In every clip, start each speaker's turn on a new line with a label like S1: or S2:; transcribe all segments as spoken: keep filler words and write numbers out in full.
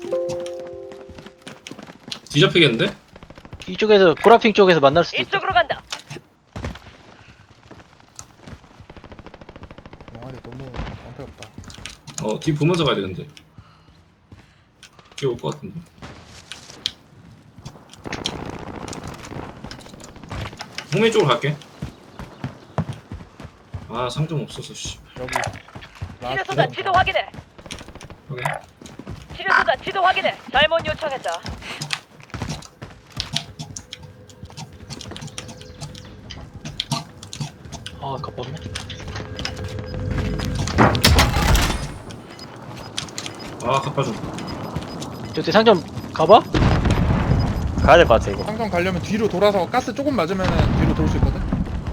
S1: 뒤잡히겠는데?
S2: 이쪽에서 보라핑 쪽에서 만날 수도 있다.
S3: 이쪽으로 간다.
S4: 영화리 너무 방패 없다.
S1: 어, 뒤 보면서 가야 되는데. 뒤에 올 것 같은데. 홍민 쪽으로 갈게. 아, 상점 없어서, 씨.
S4: 여기
S3: 치료소다 지도 확인해.
S1: 오케이.
S3: 치료소다 지도 확인해. 잘못 요청했다.
S2: 아, 갑박네.
S1: 아, 갚아줘.
S2: 저기 상점 가봐?
S5: 가야 될 것 같아 이거.
S4: 상점 가려면 뒤로 돌아서 가스 조금 맞으면은 뒤로 돌 수 있거든.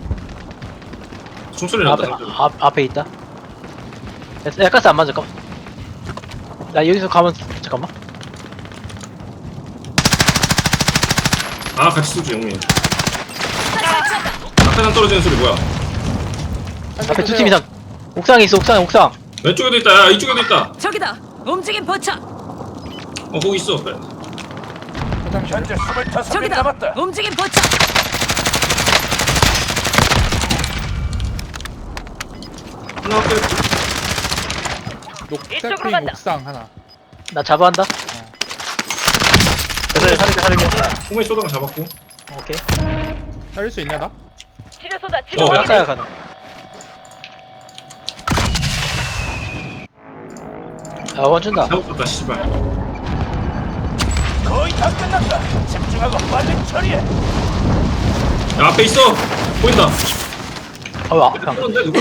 S1: 총소리 난다,
S2: 앞에,
S1: 상점.
S2: 앞, 앞에 있다. 됐어. 야, 가스 안 맞아. 잠깐만. 나 여기서 가면, 잠깐만.
S1: 아, 같이 쏘지, 형님. 앞에상 떨어지는 소리 뭐야?
S2: 앞에 두 팀 이상. 옥상에 있어, 옥상에, 옥상.
S1: 왼쪽에도 있다, 야, 이쪽에도 있다.
S3: 저기다. 움직임 포착.
S1: 어, 거기 있어. 그래.
S4: 현재
S3: 저기다. 움직임 포착.
S1: 하나 끝.
S4: 녹색
S3: 이쪽으로
S4: 핑
S3: 간다.
S4: 옥상 하나.
S2: 나 잡아한다.
S5: 그래서 살릴게 살릴게.
S1: 홍민 쏘다가 잡았고.
S2: 오케이.
S4: 살릴 수 있냐 나?
S3: 치료소다 지도
S1: 어,
S3: 확인해.
S2: 옥상에 가는. 아, 원 준다.
S1: 잡았다, 씨발.
S6: 거의 다 끝났다. 집중하고 빨리 처리해.
S1: 야, 앞에 있어. 보인다.
S2: 어, 앞에 한 거.
S1: 그런데 누가?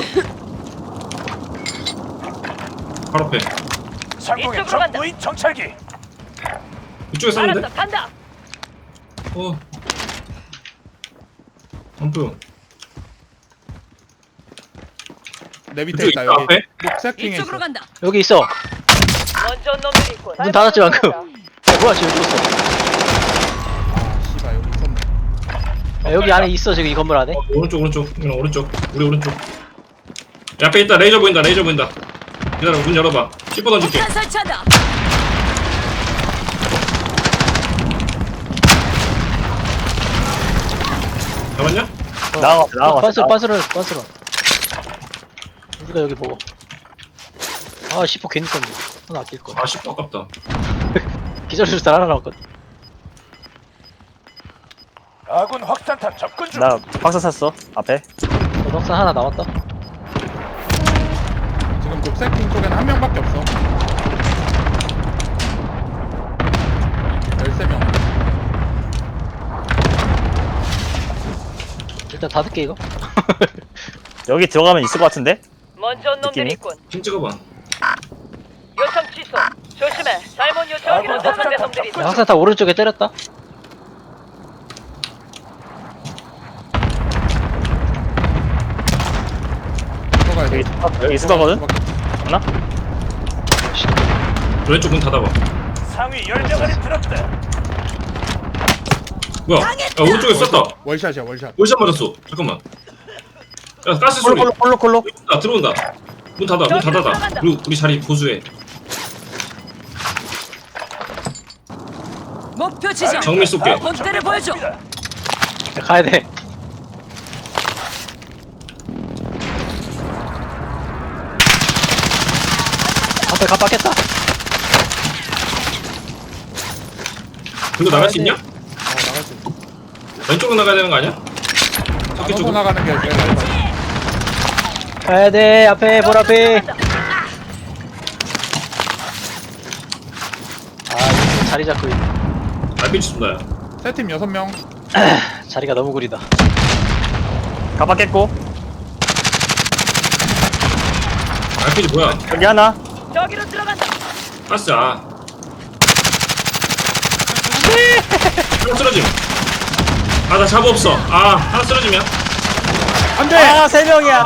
S1: 바로 앞에.
S6: 상공의
S3: 이쪽으로 간다.
S6: 적무인 정찰기.
S1: 이쪽에 쐈는데?
S3: 알았어. 간다.
S1: 어. 안 보여.
S4: 내 밑에
S1: 그쪽
S4: 있다
S1: 있다,
S4: 여기.
S1: 앞에?
S4: 녹색 핑에 있어.
S3: 이쪽으로 간다.
S2: 여기 있어.
S3: 먼저 온 놈들이 있군.
S2: 문 닫았지, 방금. 야, 뭐야, 지금 죽었어.
S4: 아 씨발 여기 있었네.
S2: 야, 여기 안에 있어, 지금 이 건물 안에.
S1: 어, 오른쪽, 오른쪽. 그냥 오른쪽. 우리 오른쪽. 야, 앞에 있다. 레이저 보인다. 레이저 보인다. 기다려, 문 열어봐. 씹어 던질게.
S3: 폭탄 설치한다.
S1: 잡았냐?
S5: 나가 나가.
S2: 빤스로, 빤스로, 빤스로. 우리가 여기 보고. 아, 시포 괜히 썼네. 하나 아낄 거.
S1: 아, 씹어 아깝다.
S2: 기절수를 하나 나왔거든.
S6: 아군 확산탄 접근 중.
S5: 나 박사 샀어 앞에.
S2: 도덕산 하나 남았다.
S4: 지금 녹색 핑 쪽에는 한 명밖에 없어. 열세 명.
S2: 일단 닫을게, 이거.
S5: 여기 들어가면 있을 것 같은데?
S3: 먼저 온 놈들이
S5: 느낌이?
S3: 있군.
S1: 핑 찍어봐.
S3: 요청 취소. 조심해. 잘못 요청하기는 못한 놈들이 있어.
S2: 야, 항상 다 오른쪽에 때렸다.
S4: 들어가야 돼.
S5: 여기 여기 있을 거거든. 맞나?
S1: 왼쪽 문 닫아봐.
S6: 상위 열 명 안에 들었다.
S1: 뭐야? 야, 오른쪽에 쐈다.
S4: 월샷이야 월샷.
S1: 월샷 맞았어. 잠깐만. 야, 가스 소리.
S5: 콜로 콜로 콜로.
S1: 아, 들어온다. 문 닫아. 문 닫아다. 우리, 우리 자리 보수해.
S3: 목표 지정.
S1: 정밀 쏠게.
S3: 본때를 보여줘.
S2: 야, 가야 돼. 앞에 갑박했다.
S1: 그거 나갈 수 있냐?
S4: 어 나갈 수 있어.
S1: 왼쪽으로 나가야 되는 거 아니야? 저기
S4: 나눠서
S1: 쪽으로.
S4: 나가는 게 제일 빨리.
S2: 가야 돼. 앞에, 볼 앞에. 아, 이거 자리 잡고 있네.
S1: 알피지 쏜다, 야.
S4: 세팀 여섯 명.
S2: 자리가 너무 구리다.
S5: 가봤겠고.
S1: 알피지 뭐야?
S5: 여기 하나.
S3: 저기로 들어간다.
S1: 가스, 아. 하나 쓰러짐. 아, 나 잡어 없어. 아, 하나 쓰러짐이야.
S4: 안돼.
S5: 아세 명이야.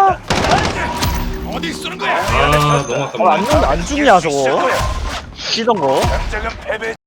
S6: 어디 쏘는 거야?
S1: 아, 너무 아깝네.
S5: 어, 안 죽, 안 죽냐 저거?
S6: 시작하여.
S5: 쉬던 거.
S6: 당장은 패배.